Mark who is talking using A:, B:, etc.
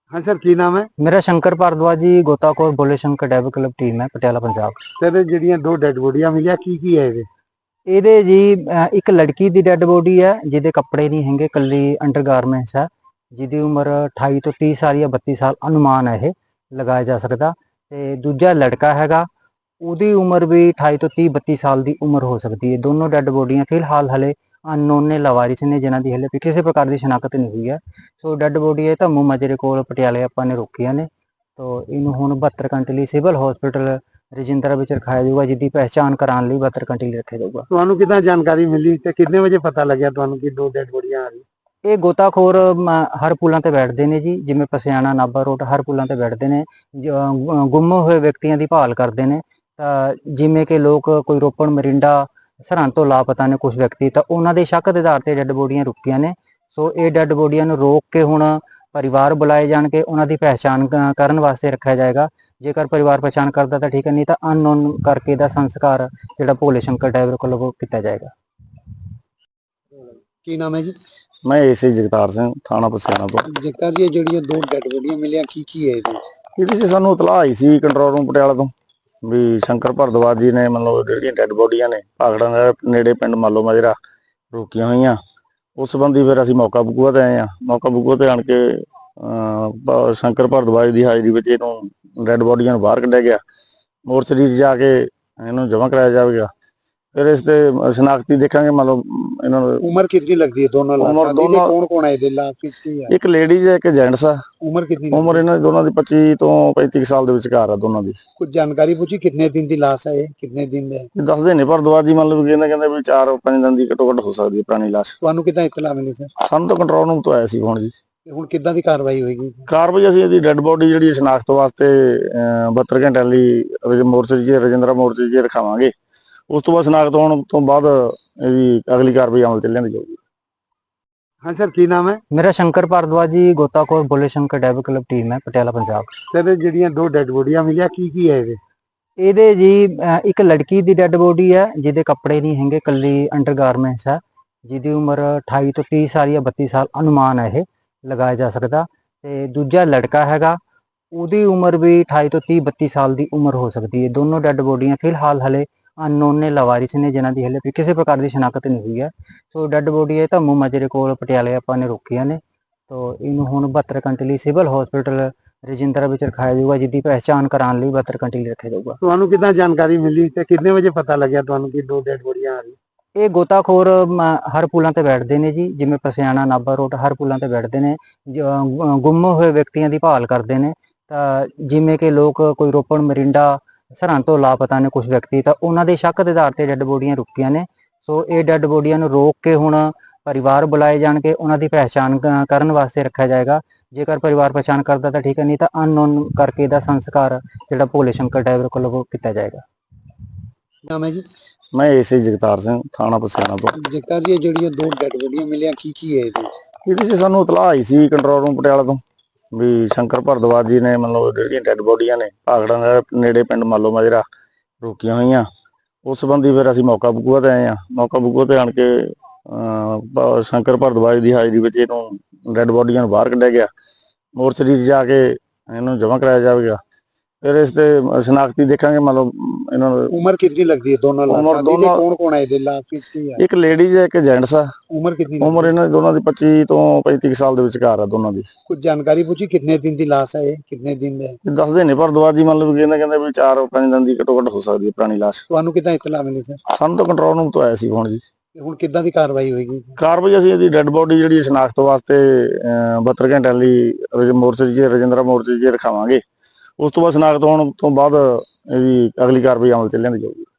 A: हाँ सर, की नाम है?
B: मेरा शंकर भारद्वाज जी, गोताखोर बोले शंकर डैब क्लब टीम है पटियाला पंजाब।
A: सर ਜਿਹੜੀਆਂ ਦੋ ਡੈਡ ਬੋਡੀਆਂ ਮਿਲੀਆਂ ਕੀ ਹੈ ਇਹਦੇ?
B: ਇਹਦੇ ਜੀ ਇੱਕ ਲੜਕੀ ਦੀ ਡੈੱਡ ਬੋਡੀ ਹੈ ਜਿਹਦੇ ਕੱਪੜੇ ਨਹੀਂ ਹੈਗੇ, ਕੱਲੀ ਅੰਡਰਗਾਰਮੈਂਟਸ ਹੈ, ਜਿਹਦੀ ਉਮਰ 28 ਤੋਂ 30 ਸਾਲ ਜਾਂ 32 ਸਾਲ ਅਨੁਮਾਨ ਹੈ ਇਹ ਲਗਾਇਆ ਜਾ ਸਕਦਾ। ਤੇ ਦੂਜਾ ਲੜਕਾ ਹੈਗਾ, ਉਹਦੀ ਉਮਰ ਵੀ 28 ਤੋਂ 30 32 ਸਾਲ ਦੀ ਉਮਰ ਹੋ ਸਕਦੀ ਹੈ। ਦੋਨੋਂ ਡੈੱਡ ਬੋਡੀਆਂ ਫਿਲਹਾਲ ਹਲੇ ਅਨਨੋਨ ਨੇ, ਲਾਵਾਰਿਸ ਨੇ, ਜਿਨ੍ਹਾਂ ਦੀ ਹਲੇ ਕਿਸੇ ਪ੍ਰਕਾਰ ਦੀ ਸ਼ਨਾਖਤ ਨਹੀਂ ਹੋਈ ਹੈ। ਸੋ ਡੈੱਡ ਬੋਡੀ ਇਹ ਧੰਮੂ ਮਾਜਰੇ ਕੋਲ ਪਟਿਆਲੇ ਆਪਾਂ ਨੇ ਰੋਕੀਆਂ ਨੇ। ਤੋ ਇਹਨੂੰ ਹੁਣ 72 ਘੰਟੇ ਲਈ ਸਿਵਲ ਹਸਪੀਟਲ ਰਜਿੰਦਰਾ ਵਿੱਚ ਰਖਾਇਆ ਜਾਊਗਾ, ਜਿਹਦੀ ਪਹਿਚਾਣ ਕਰਾਉਣ ਲਈ 72 ਘੰਟੇ ਲਈ ਰੱਖਿਆ ਜਾਊਗਾ।
A: ਤੁਹਾਨੂੰ ਕਿੱਦਾਂ ਜਾਣਕਾਰੀ ਮਿਲੀ ਤੇ ਕਿੰਨੇ ਵਜੇ ਪਤਾ ਲੱਗਿਆ ਤੁਹਾਨੂੰ ਕਿ ਦੋ ਡੈਡ ਬੋਡੀਆਂ ਆ ਰਹੀਆਂ?
B: ਇਹ ਗੋਤਾਖੋਰ ਹਰ ਪੁਲਾਂ ਤੇ ਬੈਠਦੇ ਨੇ ਜੀ, ਜਿਵੇਂ ਪਸਿਆਣਾ, ਨਾਭਾ ਰੋਡ, ਹਰ ਪੁਲਾਂ ਤੇ ਬੈਠਦੇ ਨੇ, ਗੁੰਮ ਹੋਏ ਵਿਅਕਤੀਆਂ ਦੀ ਭਾਲ ਕਰਦੇ ਨੇ। ਤਾਂ ਜਿਵੇਂ ਕਿ ਲੋਕ ਕੋਈ ਰੋਪੜ, ਮਰਿੰਡਾ, ਸਰਹੰਦ ਤੋਂ ਲਾਪਤਾ ਨੇ ਕੁਝ ਵਿਅਕਤੀ, ਤਾਂ ਉਹਨਾਂ ਦੇ ਸ਼ੱਕ ਦੇ ਆਧਾਰ ਤੇ ਡੈੱਡ ਬੋਡੀਆਂ ਰੁਕੀਆਂ ਨੇ। ਸੋ ਇਹ ਡੈੱਡ ਬੋਡੀਆਂ ਨੂੰ ਰੋਕ ਕੇ ਹੁਣ ਪਰਿਵਾਰ ਬੁਲਾਏ ਜਾਣਗੇ, ਉਹਨਾਂ ਦੀ ਪਹਿਚਾਣ ਕਰਨ ਵਾਸਤੇ ਰੱਖਿਆ ਜਾਏਗਾ। ਜੇਕਰ ਪਰਿਵਾਰ ਪਛਾਣ ਕਰਦਾ ਤਾਂ ਠੀਕ ਹੈ, ਨਹੀਂ ਤਾਂ ਅਨਨੋਨ ਕਰਕੇ ਦਾ ਸੰਸਕਾਰ ਜਿਹੜਾ ਭੋਲੇ ਸ਼ੰਕਰ ਡੈਬ ਕੋਲੋਂ ਕੀਤਾ ਜਾਏਗਾ।
A: ਕੀ ਨਾਮ ਹੈ ਜੀ?
C: ਮੈਂ ਏਸੀ ਜਗਤਾਰ ਸਿੰਘ, ਥਾਣਾ ਪਸਿਆਣਾ ਤੋਂ।
A: ਜਗਤਾਰ ਜੀ, ਜਿਹੜੀਆਂ ਦੋ ਡੈਡ ਬੋਡੀਆਂ ਮਿਲੀਆਂ ਕੀ ਹੈ ਇਹਦੇ?
C: ਇਹਦੇ 'ਚ ਸਾਨੂੰ ਇਤਲਾਹ ਆਈ ਸੀ ਕੰਟਰੋਲ ਰੂਮ ਪਟਿਆਲਾ ਤੋਂ ਵੀ ਸ਼ੰਕਰ ਭਾਰਦਵਾਜ ਜੀ ਨੇ ਮਤਲਬ ਜਿਹੜੀਆਂ ਡੈਡ ਬੋਡੀਆਂ ਨੇ ਭਾਖੜਾ ਦੇ ਨੇੜੇ ਪਿੰਡ ਮਾਲੋ ਮਾਜਰਾ ਰੋਕੀਆਂ ਹੋਈਆਂ। ਉਸ ਸੰਬੰਧੀ ਫਿਰ ਅਸੀਂ ਮੌਕਾ ਬਕੂਆ ਤੇ ਆਏ ਹਾਂ। ਮੌਕਾ ਬਕੂਆ ਤੇ ਆਣ ਕੇ ਸ਼ੰਕਰ ਭਾਰਦਵਾਜ ਦੀ ਹਾਜ਼ਰੀ ਵਿੱਚ ਇਹਨੂੰ ਡੈਡ ਬੋਡੀਆਂ ਨੂੰ ਬਾਹਰ ਕੱਢਿਆ ਗਿਆ। ਮੋਰਚਰੀ 'ਚ ਜਾ ਕੇ ਇਹਨੂੰ ਜਮ੍ਹਾਂ ਕਰਾਇਆ ਜਾਵੇਗਾ। ਫਿਰ ਇਸ ਤੇ ਸ਼ਨਾਖਤੀ ਦੇਖਾਂਗੇ। ਮਤਲਬ ਇਹਨਾਂ ਨੂੰ
A: ਉਮਰ ਕਿੰਨੀ ਲੱਗਦੀ ਹੈ ਦੋਨਾਂ
C: ਉਮਰ
A: ਲਾਸ਼ਾਂ ਦੀ?
C: ਦੋਨਾਂ
A: ਕੌਣ ਕੌਣ ਹੈ ਇਹਦੇ ਲਾਸ਼ ਵਿੱਚ? ਕੀ ਹੈ?
C: ਇੱਕ ਲੇਡੀਜ਼ ਹੈ, ਇੱਕ ਜੈਂਟਸ ਆ।
A: ਉਮਰ ਕਿੰਨੀ?
C: ਉਮਰ ਇਹਨਾਂ ਦੀ ਦੋਨਾਂ ਦੀ 25 ਤੋਂ 35 ਸਾਲ ਦੇ ਵਿਚਕਾਰ ਆ ਦੋਨਾਂ ਦੀ।
A: ਕੁਝ ਜਾਣਕਾਰੀ ਪੁੱਛੀ ਕਿੰਨੇ ਦਿਨ ਦੀ ਲਾਸ਼ ਹੈ ਇਹ? ਕਿੰਨੇ ਦਿਨ ਦਾ?
C: ਇਹ ਦੱਸਦੇ ਨੇ ਭਾਰਦਵਾਜ ਜੀ, ਮਤਲਬ ਕਹਿੰਦੇ ਵੀ 4-5 ਦਿਨ ਦੀ ਘੱਟੋ ਘੱਟ ਹੋ ਸਕਦੀ ਹੈ ਪੁਰਾਣੀ ਲਾਸ਼।
A: ਤੁਹਾਨੂੰ ਕਿੱਦਾਂ ਇਤਲਾਹ ਮਿਲੀ ਸਰ?
C: ਸਾਨੂੰ ਤਾਂ ਕੰਟਰੋਲ ਰੂਮ ਤੋਂ ਆਇਆ ਸੀ ਫੋਨ ਜੀ।
A: ਤੇ ਹੁਣ ਕਿੱਦਾਂ ਦੀ ਕਾਰਵਾਈ ਹੋਏਗੀ?
C: ਕਾਰਵਾਈ ਅਸੀਂ ਇਹਦੀ ਡੈੱਡ ਬੋਡੀ ਜਿਹੜੀ ਸ਼ਨਾਖਤ ਵਾਸਤੇ 72 ਘੰਟਿਆਂ ਲਈ ਮੋਰਚਰੀ 'ਚ ਰਜਿੰਦਰਾ ਮੋਰਚਰੀ 'ਚ ਰਖਾਵਾਂਗੇ। ਉਸ ਤੋਂ ਬਾਅਦ ਸ਼ਨਾਖਤ ਹੋਣ ਤੋਂ ਬਾਅਦ ਇਹਦੀ ਅਗਲੀ ਕਾਰਵਾਈ ਅਮਲ 'ਚ ਲਿਆਂਦੀ ਜਾਊਗੀ।
A: हाँ सर, की नाम है?
B: ਮੇਰਾ ਸ਼ੰਕਰ ਭਾਰਦਵਾਜ ਜੀ, ਗੋਤਾਖੋਰ ਬੋਲੇ ਸ਼ੰਕਰ ਡੈਬ ਕਲੱਬ ਟੀਮ ਹੈ ਪਟਿਆਲਾ ਪੰਜਾਬ।
A: ਸਰ ਜਿਹੜੀਆਂ ਦੋ ਡੈਡ ਬੋਡੀਆਂ ਮਿਲੀਆਂ ਕੀ ਹੈ ਇਹਦੇ?
B: ਇਹਦੇ ਜੀ ਇੱਕ ਲੜਕੀ ਦੀ ਡੈੱਡ ਬੋਡੀ ਹੈ ਜਿਹਦੇ ਕੱਪੜੇ ਨਹੀਂ ਹੈਗੇ, ਕੱਲੀ ਅੰਡਰਗਾਰਮੈਂਟਸ ਹੈ, ਜਿਹਦੀ ਉਮਰ 28 ਤੋਂ 30 ਸਾਲ ਜਾਂ 32 ਸਾਲ ਅਨੁਮਾਨ ਹੈ ਇਹ ਲਗਾਇਆ ਜਾ ਸਕਦਾ। ਤੇ ਦੂਜਾ ਲੜਕਾ ਹੈਗਾ, ਉਹਦੀ ਉਮਰ ਵੀ 28 ਤੋਂ 30 32 ਸਾਲ ਦੀ ਉਮਰ ਹੋ ਸਕਦੀ ਹੈ। ਦੋਨੋਂ ਡੈੱਡ ਬੋਡੀਆਂ ਫਿਲਹਾਲ ਹਲੇ ਅਨਨੋਨ ਨੇ, ਲਾਵਾਰਿਸ ਨੇ, ਜਿਨ੍ਹਾਂ ਦੀ ਹਲੇ ਕਿਸੇ ਪ੍ਰਕਾਰ ਦੀ ਸ਼ਨਾਖਤ ਨਹੀਂ ਹੋਈ ਹੈ। ਸੋ ਡੈੱਡ ਬੋਡੀ ਇਹ ਧੰਮੂ ਮਾਜਰੇ ਕੋਲ ਪਟਿਆਲੇ ਆਪਾਂ ਨੇ ਰੋਕੀਆਂ ਨੇ। ਤੋ ਇਹਨੂੰ ਹੁਣ 72 ਘੰਟੇ ਲਈ ਸਿਵਲ ਹਸਪੀਟਲ ਰਜਿੰਦਰਾ ਵਿੱਚ ਰਖਾਇਆ ਜਾਊਗਾ, ਜਿਹਦੀ ਪਹਿਚਾਣ ਕਰਾਉਣ ਲਈ 72 ਘੰਟੇ ਲਈ ਰੱਖਿਆ ਜਾਊਗਾ।
A: ਤੁਹਾਨੂੰ ਕਿੱਦਾਂ ਜਾਣਕਾਰੀ ਮਿਲੀ ਤੇ ਕਿੰਨੇ ਵਜੇ ਪਤਾ ਲੱਗਿਆ ਤੁਹਾਨੂੰ ਕਿ ਦੋ ਡੈਡ ਬੋਡੀਆਂ ਆ ਰਹੀਆਂ?
B: ਇਹ ਗੋਤਾਖੋਰ ਹਰ ਪੁਲਾਂ ਤੇ ਬੈਠਦੇ ਨੇ ਜੀ, ਜਿਵੇਂ ਪਸਿਆਣਾ, ਨਾਭਾ ਰੋਡ, ਹਰ ਪੁਲਾਂ ਤੇ ਬੈਠਦੇ ਨੇ, ਗੁੰਮ ਹੋਏ ਵਿਅਕਤੀਆਂ ਦੀ ਭਾਲ ਕਰਦੇ ਨੇ। ਤਾਂ ਜਿਵੇਂ ਕਿ ਲੋਕ ਕੋਈ ਰੋਪੜ, ਮਰਿੰਡਾ, ਸਰਹੰਦ ਤੋਂ ਲਾਪਤਾ ਨੇ ਕੁਝ ਵਿਅਕਤੀ, ਤਾਂ ਉਹਨਾਂ ਦੇ ਸ਼ੱਕ ਦੇ ਆਧਾਰ ਤੇ ਡੈੱਡ ਬੋਡੀਆਂ ਰੁਕੀਆਂ ਨੇ। ਸੋ ਇਹ ਡੈੱਡ ਬੋਡੀਆਂ ਨੂੰ ਰੋਕ ਕੇ ਹੁਣ ਪਰਿਵਾਰ ਬੁਲਾਏ ਜਾਣਗੇ, ਉਹਨਾਂ ਦੀ ਪਹਿਚਾਣ ਕਰਨ ਵਾਸਤੇ ਰੱਖਿਆ ਜਾਏਗਾ। ਜੇਕਰ ਪਰਿਵਾਰ ਪਛਾਣ ਕਰਦਾ ਤਾਂ ਠੀਕ ਹੈ, ਨਹੀਂ ਤਾਂ ਅਨਨੋਨ ਕਰਕੇ ਦਾ ਸੰਸਕਾਰ ਜਿਹੜਾ ਭੋਲੇ ਸ਼ੰਕਰ ਡੈਬ ਕੋਲੋਂ ਕੀਤਾ ਜਾਏਗਾ।
A: ਨਾਮ ਹੈ ਜੀ?
C: ਮੈਂ ਏਸੀ ਜਗਤਾਰ ਸਿੰਘ, ਥਾਣਾ ਪਸਿਆਣਾ ਤੋਂ।
A: ਜਗਤਾਰ ਜੀ, ਜਿਹੜੀਆਂ ਦੋ ਡੈਡ ਬੋਡੀਆਂ ਮਿਲੀਆਂ ਕੀ ਹੈ ਇਹਦੇ?
C: ਇਹਦੇ 'ਚ ਸਾਨੂੰ ਇਤਲਾਹ ਆਈ ਸੀ ਕੰਟਰੋਲ ਰੂਮ ਪਟਿਆਲਾ ਤੋਂ ਵੀ ਸ਼ੰਕਰ ਭਾਰਦਵਾਜ ਜੀ ਨੇ ਮਤਲਬ ਜਿਹੜੀਆਂ ਡੈਡ ਬੋਡੀਆਂ ਨੇ ਭਾਖੜਾ ਦੇ ਨੇੜੇ ਪਿੰਡ ਮਾਲੋ ਮਾਜਰਾ ਰੋਕੀਆਂ ਹੋਈਆਂ। ਉਸ ਸੰਬੰਧੀ ਫਿਰ ਅਸੀਂ ਮੌਕਾ ਬਕੂਆ ਤੇ ਆਏ ਹਾਂ। ਮੌਕਾ ਬਕੂਆ ਤੇ ਆਣ ਕੇ ਸ਼ੰਕਰ ਭਾਰਦਵਾਜ ਦੀ ਹਾਜ਼ਰੀ ਵਿੱਚ ਇਹਨੂੰ ਡੈਡ ਬੋਡੀਆਂ ਨੂੰ ਬਾਹਰ ਕੱਢਿਆ ਗਿਆ। ਮੋਰਚਰੀ 'ਚ ਜਾ ਕੇ ਇਹਨੂੰ ਜਮ੍ਹਾਂ ਕਰਾਇਆ ਜਾਵੇਗਾ। ਫਿਰ ਇਸ ਤੇ ਸ਼ਨਾਖਤੀ ਦੇਖਾਂਗੇ। ਮਤਲਬ ਇਹਨਾਂ ਨੂੰ
A: ਉਮਰ ਕਿੰਨੀ ਲੱਗਦੀ ਹੈ ਦੋਨਾਂ ਲਾਸ਼ਾਂ ਦੀ? ਕੌਣ ਕੌਣ ਹੈ ਇਹਦੇ ਲਾਸ਼ ਵਿੱਚ? ਕੀ ਹੈ?
C: ਇੱਕ ਲੇਡੀਜ਼ ਹੈ, ਇੱਕ ਜੈਂਟਸ ਆ।
A: ਉਮਰ ਕਿੰਨੀ?
C: ਉਮਰ ਇਹਨਾਂ ਦੀ ਦੋਨਾਂ ਦੀ 25 ਤੋਂ 35 ਸਾਲ ਦੇ ਵਿਚਕਾਰ ਆ ਦੋਨਾਂ ਦੀ।
A: ਕੁਝ ਜਾਣਕਾਰੀ ਪੁੱਛੀ ਕਿੰਨੇ ਦਿਨ ਦੀ ਲਾਸ਼ ਹੈ ਇਹ? ਕਿੰਨੇ ਦਿਨ ਦਾ?
C: ਇਹ ਦੱਸਦੇ ਨੇ ਭਾਰਦਵਾਜ ਜੀ, ਮਤਲਬ ਕਹਿੰਦੇ ਵੀ 4-5 ਦਿਨ ਦੀ ਘੱਟੋ ਘੱਟ ਹੋ ਸਕਦੀ ਹੈ ਪੁਰਾਣੀ ਲਾਸ਼।
A: ਤੁਹਾਨੂੰ ਕਿੱਦਾਂ ਇਤਲਾਹ ਮਿਲੀ ਸਰ?
C: ਸਾਨੂੰ ਤਾਂ ਕੰਟਰੋਲ ਰੂਮ ਤੋਂ ਆਇਆ ਸੀ ਫੋਨ ਜੀ।
A: ਤੇ ਹੁਣ ਕਿੱਦਾਂ ਦੀ ਕਾਰਵਾਈ ਹੋਏਗੀ?
C: ਕਾਰਵਾਈ ਅਸੀਂ ਇਹਦੀ ਡੈੱਡ ਬੋਡੀ ਜਿਹੜੀ ਸ਼ਨਾਖਤ ਵਾਸਤੇ 72 ਘੰਟਿਆਂ ਲਈ ਮੋਰਚਰੀ 'ਚ ਰਜਿੰਦਰਾ ਮੋਰਚਰੀ 'ਚ ਰਖਾਵਾਂਗੇ। ਉਸ ਤੋਂ ਬਾਅਦ ਸ਼ਨਾਖਤ ਹੋਣ ਤੋਂ ਬਾਅਦ ਇਹਦੀ ਅਗਲੀ ਕਾਰਵਾਈ ਅਮਲ 'ਚ ਲਿਆਂਦੀ ਜਾਊਗੀ।